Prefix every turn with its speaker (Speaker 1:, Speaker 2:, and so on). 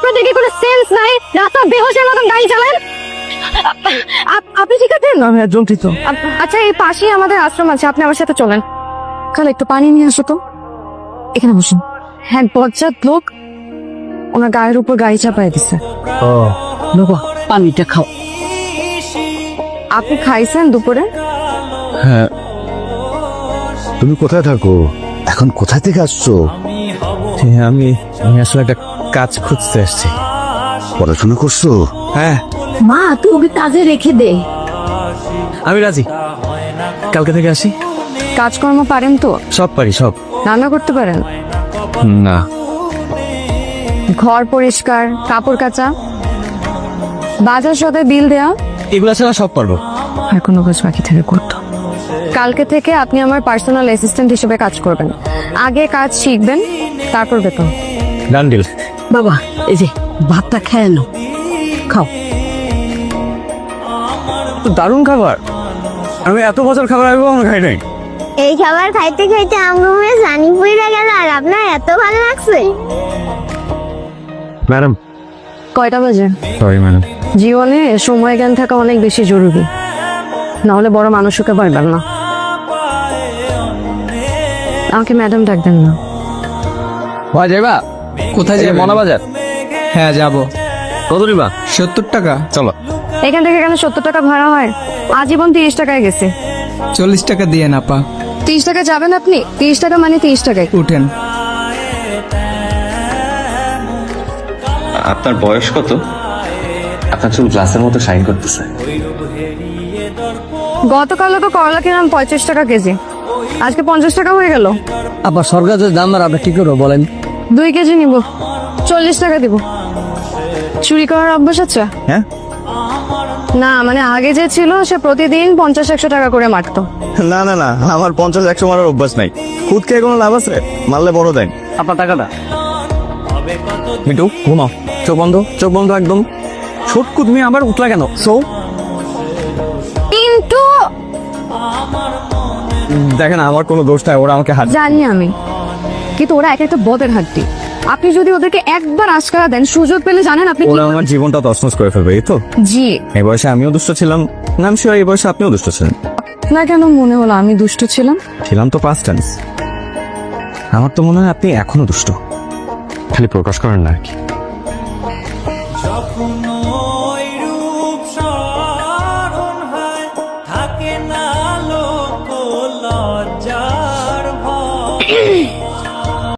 Speaker 1: আপনাদের কি কোনো সেন্স নাই? রাস্তা বেহোশের মতন গাড়ি চালান। আপনি ঠিক আছেন?
Speaker 2: আমি একজন ঠিক তো।
Speaker 1: আচ্ছা, এই পাশেই আমাদের আশ্রম আছে, আপনি আমার সাথে চলেন। কাল একটু পানি নিয়ে আসো তো। এখানে বসুন। হ্যাঁ, বজ্জাত লোক ওনার গায়ের উপর গাড়ি চাপায় দিছে।
Speaker 2: ও বাবা, পানিটা খাও।
Speaker 1: আপনি খাইছেন দুপুরে?
Speaker 3: হ্যাঁ। তুমি কোথায় থাকো এখন? কোথায় থেকে আসছো?
Speaker 2: হ্যাঁ, আমি আসলে একটা কাজ খুঁজতে আসছি।
Speaker 3: পড়াশোনা করছো?
Speaker 2: হ্যাঁ,
Speaker 4: মা তুই ওকে কাজে রেখে দে।
Speaker 2: আমি রাজি। কালকে থেকে আসি।
Speaker 1: কাজকর্ম পারেন তো?
Speaker 2: সব পারি, সব।
Speaker 1: রান্না করতে পারেন?
Speaker 2: না।
Speaker 1: ঘর পরিষ্কার, কাপড় কাচা, বাজার সদায় বিল দেওয়া,
Speaker 2: এগুলা ছাড়া সব পারবো।
Speaker 1: আর কোনো কাজ বাকি থেকে করতো। কালকে থেকে আপনি আমার পার্সোনাল অ্যাসিস্ট্যান্ট হিসেবে কাজ করবেন। আগে কাজ শিখবেন, তারপর বেতন।
Speaker 2: Done deal.
Speaker 4: বাবা এই যে ভাতটা খেয়ে নাও, খাও।
Speaker 2: দারুণ খাবার। আমি এত বছর খাবার আমি কখনো খাই নাই।
Speaker 5: এই খাবার খাইতে খাইতে আমার মুখে জানি পড়ে গেল, আর আপনার এত ভালো লাগছে।
Speaker 2: ম্যাডাম।
Speaker 1: কয়টা বাজে?
Speaker 2: Sorry madam.
Speaker 1: জীবনে সময় জ্ঞান থাকা অনেক বেশি জরুরি, না হলে বড় মানুষকে পারবেন না। আমাকে ম্যাডাম ডাকবেন না।
Speaker 2: যাইবা? কোথায় যাবে? মনাবাজার।
Speaker 6: হ্যাঁ যাব।
Speaker 2: কত নিবা?
Speaker 6: 70 টাকা।
Speaker 2: চলো।
Speaker 1: এখান থেকে কেন 70 টাকা ভাড়া হয়? আজীবন 30 টাকায় গেছে।
Speaker 6: 40 টাকা দিয়ে না পা।
Speaker 1: 30 টাকা যাবেন আপনি? 30 টাকা মানে 30 টাকায়।
Speaker 6: উঠেন।
Speaker 7: আপনার বয়স কত? আপনার চুল গ্লাসের মতো শাইন করতেছে।
Speaker 1: গতকালও তো করলা কিনলাম 35 টাকা কেজি, আজকে 50 টাকা হয়ে গেল।
Speaker 2: আবার সরকার যে দাম আর আপনি কি করবো বলেন?
Speaker 1: 2 কেজি নিব, 40 টাকা দিব। চুরি করার অভ্যাস আছে?
Speaker 2: হ্যাঁ।
Speaker 1: না মানে আগে যে ছিল সে প্রতিদিন 50-100 টাকা করে মারতো।
Speaker 2: না না না, আমার 50-100 মারার অভ্যাস নাই। খুদ খেয়ে কোনো লাভ আছে? মারলে বড় দেন। আপনার টাকাটা মিটু, ঘুমাও। চোখ বন্ধ, চোখ বন্ধ একদম। ছোটকু তুমি আবার উঠলা কেন? সো
Speaker 1: কিন্তু
Speaker 2: দেখেন আমার কোনো দোষ নাই, ওরা আমাকে হাত।
Speaker 1: জানি আমি, কিন্তু ওরা এক একটা বদের হাড্ডি। আপনি যদি ওদেরকে একবার আশকারা দেন, সুযোগ পেলে জানেন আপনি কি-
Speaker 2: ওরা আমার জীবনটা তছনছ করে ফেলবে, এই তো।
Speaker 1: জি
Speaker 2: এই বয়সে আমিও দুষ্ট ছিলাম, নাম শিওর এই বয়সে আপনিও দুষ্ট ছিলেন।
Speaker 1: না কেন মনে হলো আমি দুষ্ট ছিলাম?
Speaker 2: ছিলাম তো পাস্ট টেন্স। আমার তো মনে হয় আপনি এখনো দুষ্ট, খালি প্রকাশ করেন না আর কি।